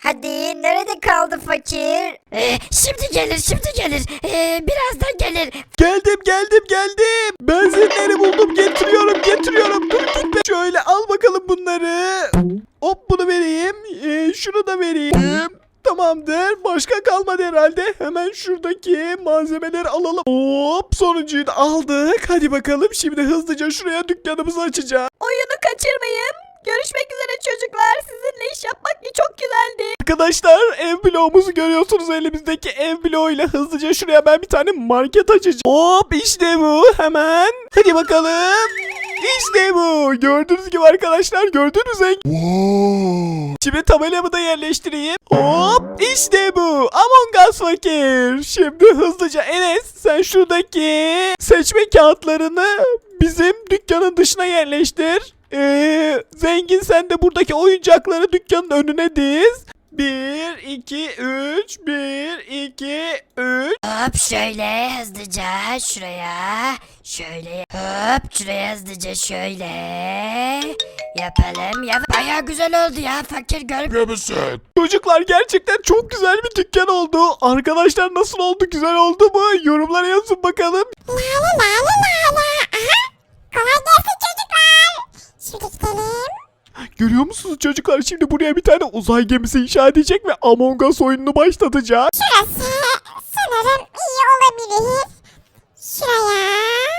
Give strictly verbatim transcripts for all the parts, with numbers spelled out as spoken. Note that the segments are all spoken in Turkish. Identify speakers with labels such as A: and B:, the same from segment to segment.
A: Hadi nerede kaldı fakir? Ee, şimdi gelir şimdi gelir. Ee, birazdan gelir.
B: Geldim geldim geldim. Benzinleri buldum, getiriyorum getiriyorum. Dur gitme. Şöyle al bakalım bunları. Hop bunu vereyim. Ee, şunu da vereyim. Tamamdır. Başka kalmadı herhalde. Hemen şuradaki malzemeleri alalım. Hop sonuncuyu da aldık. Hadi bakalım şimdi hızlıca şuraya dükkanımızı açacağız.
C: Oyunu kaçırmayın. Görüşmek üzere çocuklar. Sizinle iş yapmak çok güzeldi.
B: Arkadaşlar ev bloğumuzu görüyorsunuz, elimizdeki ev bloğuyla hızlıca şuraya ben bir tane market açacağım. Hop işte bu, hemen. Hadi bakalım. İşte bu. Gördüğünüz gibi arkadaşlar, gördünüz mü?
D: Wow.
B: Şimdi tabelamı da yerleştireyim. Hop işte bu. Among Us fakir. Şimdi hızlıca Enes sen şuradaki seçme kağıtlarını bizim dükkanın dışına yerleştir. Ee, zengin sen de buradaki oyuncakları dükkanın önüne diz. bir, iki, üç. bir, iki, üç.
A: Hop şöyle hızlıca şuraya. Şöyle hop şuraya hızlıca şöyle. Yapalım. Yap Baya güzel oldu ya fakir gör.
D: Gömüsün.
B: Çocuklar gerçekten çok güzel bir dükkan oldu. Arkadaşlar nasıl oldu? Güzel oldu mu? Yorumlara yazın bakalım.
E: La la la la la la. Aha. Kolay gelsin çocuklar. Şimdi gidelim.
B: Görüyor musunuz çocuklar? Şimdi buraya bir tane uzay gemisi inşa edecek ve Among Us oyununu başlatacak.
E: Şurası sanırım iyi olabilir. Şuraya.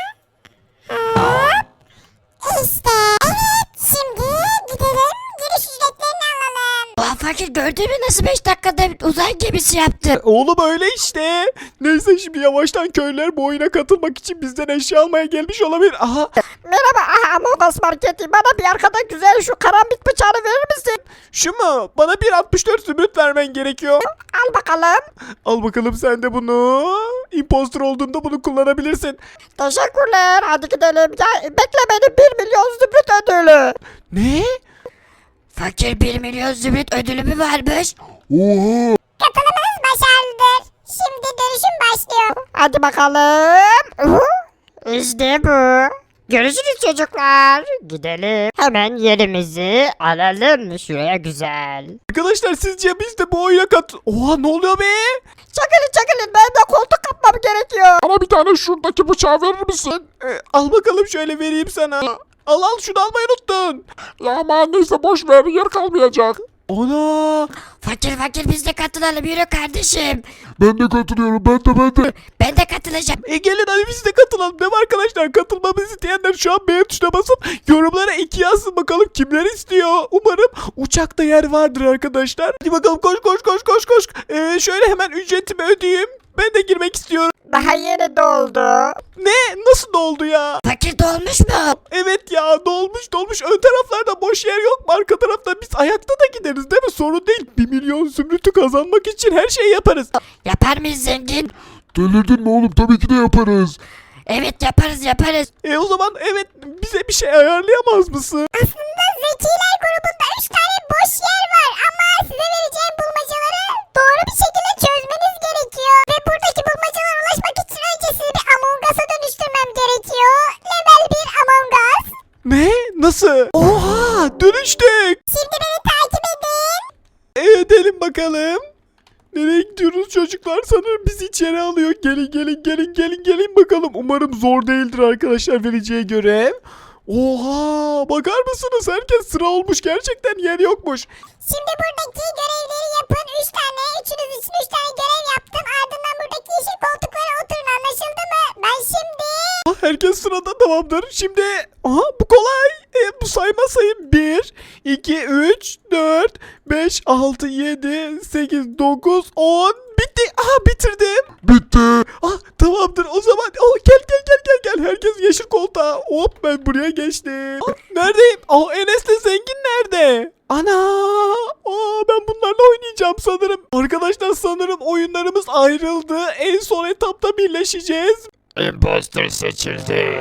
E: Hop. İşte. Evet. Şimdi gidelim. Giriş ücretlerini alalım.
A: Oha fakir gördün mü nasıl beş dakikada uzay gemisi yaptı?
B: Oğlum öyle işte. Neyse şimdi yavaştan köylüler bu oyuna katılmak için bizden eşya almaya gelmiş olabilir. Aha.
C: Merhaba aha, Among Us Marketi. Bana bir arkada güzel şu karambit bıçağını verir misin?
B: Şu mu? Bana bir altmış dört zümrüt vermen gerekiyor.
C: Al bakalım.
B: Al bakalım sen de bunu. Imposter olduğunda bunu kullanabilirsin.
C: Teşekkürler. Hadi gidelim. Ya, bekle beni bir milyon zümrüt ödülü.
B: Ne?
A: Fakir bir milyon zümrüt ödülü mü varmış?
D: Oha.
E: Katılımınız başarılıdır. Şimdi dönüşüm başlıyor.
C: Hadi bakalım. İşte bu. Görüşürüz çocuklar. Gidelim. Hemen yerimizi alalım. Şuraya güzel.
B: Arkadaşlar sizce biz de bu oyuna kat... Oha ne oluyor be?
C: Çakılın çakılın. Ben de koltuk kapmam gerekiyor.
D: Bana bir tane şuradaki bıçağı verir misin?
B: Ee, al bakalım şöyle vereyim sana. Al al şunu almayı unuttun.
D: Ya aman neyse boş ver, yer kalmayacak.
B: Ana.
A: Fakir fakir biz de katılalım yürü kardeşim.
D: Ben de katılıyorum, ben de ben de.
A: Ben de katılacağım.
B: E gelin hadi biz de katılalım. Değil mi arkadaşlar? Katılmamızı isteyenler şu an beğen tuşuna basıp yorumlara iki yazsın bakalım kimler istiyor. Umarım uçakta yer vardır arkadaşlar. Hadi bakalım koş koş koş koş koş. Ee, şöyle hemen ücretimi ödeyeyim. Ben de girmek istiyorum.
C: Daha yeni doldu.
B: Ne? Nasıl doldu ya?
A: Fakir dolmuş mu?
B: Evet ya dolmuş dolmuş. Ön taraflarda boş yer yok mu? Arka tarafta biz ayakta da gideriz değil mi? Sorun değil. Bir milyon zümrütü kazanmak için her şeyi yaparız.
A: Yapar mıyız zengin?
D: Delirdin mi oğlum? Tabii ki de yaparız.
A: Evet yaparız yaparız.
B: E o zaman evet bize bir şey ayarlayamaz mısın?
E: Aslında zekiler grubunda üç tane boş yer var ama size vereceğim bulmacaları doğru bir şekilde çözmeniz gerekiyor. Ve buradaki bulmacalara ulaşmak için önce sizi bir Among Us'a dönüştürmem gerekiyor. Level bir Among Us.
B: Ne? Nasıl? Oha dönüştük.
E: Şimdi beni takip edin.
B: E, edelim bakalım. Nereye gidiyoruz çocuklar? Sanırım bizi içeri alıyor. Gelin gelin gelin gelin gelin bakalım. Umarım zor değildir arkadaşlar vereceği görev. Oha bakar mısınız? Herkes sıra olmuş. Gerçekten yer yokmuş.
E: Şimdi buradaki görevleri yapın. üç tane. Üçünüz için üç tane görev yaptım. Ardından buradaki yeşil koltuklara oturun. Anlaşıldı mı? Ben şimdi...
B: Ah, herkes sırada tamamdır. Şimdi aha bu kolay. E, bu sayma sayım bir, iki, üç, dört, beş, altı, yedi, sekiz, dokuz, on. Bitti. Aha bitirdim.
D: Bitti.
B: Ah tamamdır o zaman. Oh, gel gel gel gel gel. Herkes yeşil koltuğa. Hop ben buraya geçtim. Ah, neredeyim? Oh Enes'le zengin nerede? Ana. Aa, ben bunlarla oynayacağım sanırım. Arkadaşlar sanırım oyunlarımız ayrıldı. En son etapta birleşeceğiz.
D: Imposter seçildi.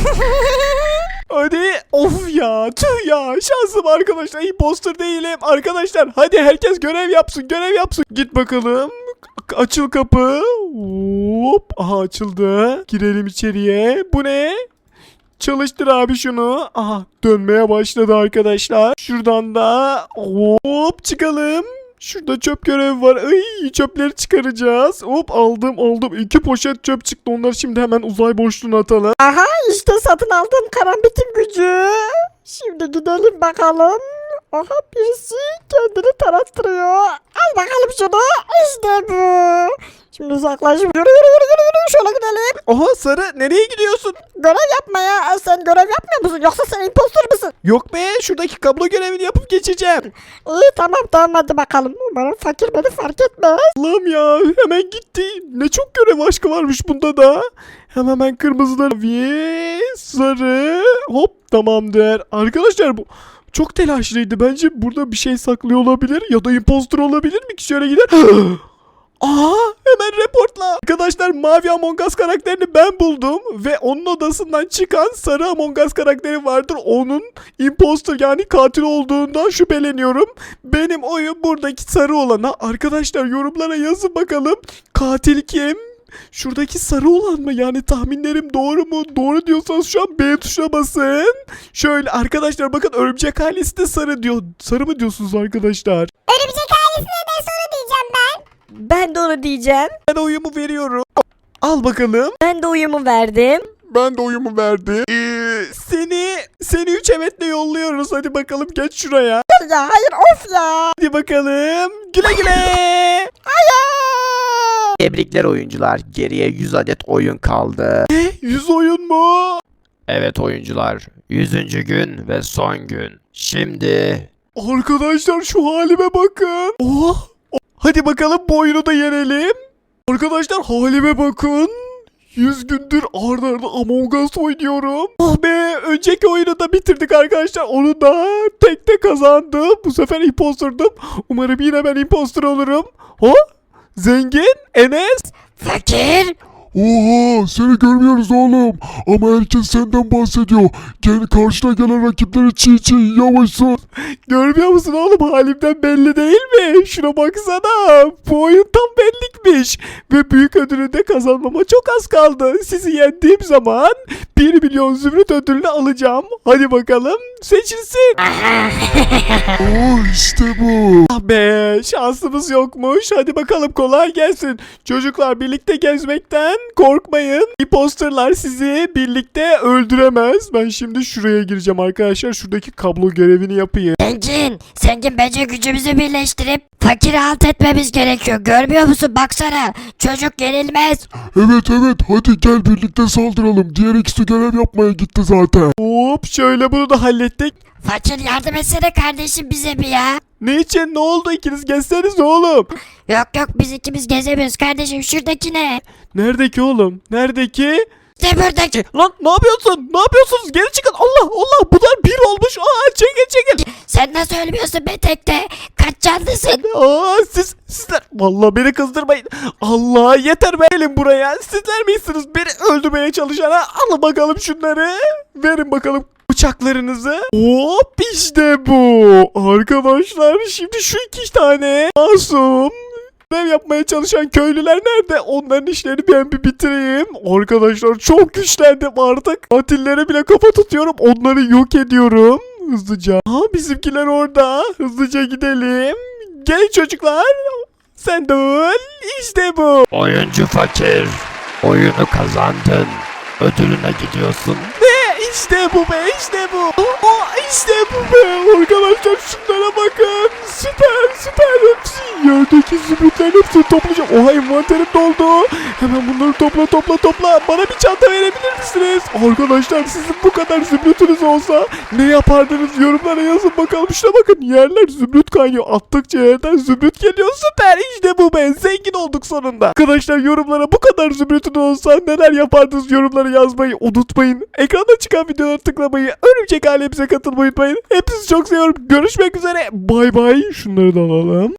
B: Hadi of ya tüh ya şansım arkadaşlar imposter değilim arkadaşlar hadi herkes görev yapsın görev yapsın git bakalım açıl kapı hop aha açıldı girelim içeriye bu ne çalıştır abi şunu aha dönmeye başladı arkadaşlar şuradan da hop çıkalım Şurada çöp görevi var. Ay, çöpleri çıkaracağız. Hop aldım aldım. İki poşet çöp çıktı. Onları şimdi hemen uzay boşluğuna atalım.
C: Aha işte satın aldığım karambitin gücü. Şimdi gidelim bakalım. Aha birisi kendini tarattırıyor. Al bakalım şunu. İşte bu. Şimdi uzaklaş. Yürü yürü yürü yürü yürü. Şöyle gidelim.
B: Oha Sarı, nereye gidiyorsun?
C: Görev yapmaya. Sen görev yapmıyor musun? Yoksa sen impostor musun?
B: Yok be, şuradaki kablo görevini yapıp geçeceğim.
C: İyi tamam tamam hadi bakalım. Umarım fakir beni fark etmez.
B: Allah'ım ya, hemen gitti. Ne çok görev aşkı varmış bunda da. Hemen hemen kırmızılar ve sarı. Hop, tamamdır. Arkadaşlar bu çok telaşlıydı. Bence burada bir şey saklıyor olabilir ya da impostor olabilir mi ki? Şöyle gider. Aa, hemen reportla. Arkadaşlar, mavi Among Us karakterini ben buldum ve onun odasından çıkan sarı Among Us karakteri vardır. Onun impostor yani katil olduğundan şüpheleniyorum. Benim oyum buradaki sarı olana. Arkadaşlar yorumlara yazın bakalım. Katil kim? Şuradaki sarı olan mı? Yani tahminlerim doğru mu? Doğru diyorsanız şu an B tuşuna basın. Şöyle arkadaşlar bakın, örümcek ailesi de sarı diyor. Sarı mı diyorsunuz arkadaşlar?
E: Örümcek ailesine de soru diyeceğim ben.
C: Ben de onu diyeceğim.
B: Ben oyumu veriyorum. Al bakalım.
C: Ben de uyumu verdim.
D: Ben de oyumu verdim.
B: Ee, seni seni üç evetle yolluyoruz. Hadi bakalım, geç şuraya.
C: Ya hayır of ya.
B: Hadi bakalım. Güle güle.
F: Tebrikler oyuncular. Geriye yüz adet oyun kaldı.
B: yüz oyun mu?
F: Evet oyuncular. yüzüncü gün ve son gün. Şimdi
B: Arkadaşlar şu halime bakın. Oh. Hadi bakalım bu oyunu da yenelim. Arkadaşlar halime bakın. yüz gündür arda arda Among Us oynuyorum. Oh be, önceki oyunu da bitirdik arkadaşlar. Onu da tek tek kazandım. Bu sefer impostordum. Umarım yine ben impostor olurum. Ha? Zengin? Enes?
A: Fakir.
D: Oha, seni görmüyoruz oğlum. Ama herkes senden bahsediyor. Gel, karşına gelen rakipleri çiğ çiğ yavaşsın.
B: Görmüyor musun oğlum, halimden belli değil mi? Şuna baksana. Bu oyun tam benlikmiş. Ve büyük ödülü de kazanmama çok az kaldı. Sizi yendiğim zaman bir milyon zümrüt ödülünü alacağım. Hadi bakalım, seçilsin.
D: Oh, işte bu.
B: Ah be, şansımız yokmuş. Hadi bakalım, kolay gelsin. Çocuklar, birlikte gezmekten korkmayın. Imposterlar sizi birlikte öldüremez. Ben şimdi şuraya gireceğim arkadaşlar. Şuradaki kablo görevini yapayım.
A: Zengin. Zengin, bence gücümüzü birleştirip fakiri alt etmemiz gerekiyor. Görmüyor musun? Baksana. Çocuk yenilmez.
D: Evet evet, hadi gel birlikte saldıralım. Diğer ikisi görev yapmaya gitti zaten.
B: Hop, şöyle bunu da hallettik.
A: Fakir, yardım etsene kardeşim bize bir ya.
B: Ne için? Ne oldu? İkiniz gezseniz oğlum.
A: Yok yok, biz ikimiz gezemiyoruz kardeşim. Şuradaki ne?
B: Nerede ki oğlum? Nerede ki?
A: İşte buradaki.
B: Lan ne yapıyorsun? Ne yapıyorsunuz? Geri çıkın. Allah Allah, bunlar bir olmuş. Aa, çekil çekil.
A: Sen nasıl ölmüyorsun be tekte? Kaç canlısın?
B: Aa, siz sizler. Vallahi beni kızdırmayın. Allah yeter be, gelin buraya. Sizler misiniz beni öldürmeye çalışana? Alın bakalım şunları. Verin bakalım bıçaklarınızı. Hop, işte bu. Arkadaşlar şimdi şu iki tane masum görev yapmaya çalışan köylüler nerede? Onların işlerini ben bir bitireyim. Arkadaşlar çok güçlendim artık. Katillere bile kafa tutuyorum. Onları yok ediyorum. Hızlıca. Ha, bizimkiler orada. Hızlıca gidelim. Gelin çocuklar. Sen de öl. İşte bu.
F: oyuncu fakir. Oyunu kazandın. Ödülüne gidiyorsun.
B: Ne? İşte bu be. İşte bu. Aa, işte bu be. Arkadaşlar şunlara bakın. Süper süper. Hepsi yerdeki zümrütlerin hepsini toplayacağım. Oha, envanterim doldu. Hemen bunları topla topla topla. Bana bir çanta verebilir misiniz? Arkadaşlar, sizin bu kadar zümrütünüz olsa ne yapardınız? Yorumlara yazın bakalım. Şuna bakın, yerler zümrüt kaynıyor. Attıkça yerden zümrüt geliyor. Süper, işte bu be. Zengin olduk sonunda. Arkadaşlar yorumlara bu kadar zümrütün olsa neler yapardınız? Yorumlara yazmayı unutmayın. Ekranda çıkan videoları tıklamayı, örümcek ailemize katılmayı unutmayın. Hepinizi çok seviyorum. Görüşmek üzere. Bay bay. Şunları da alalım.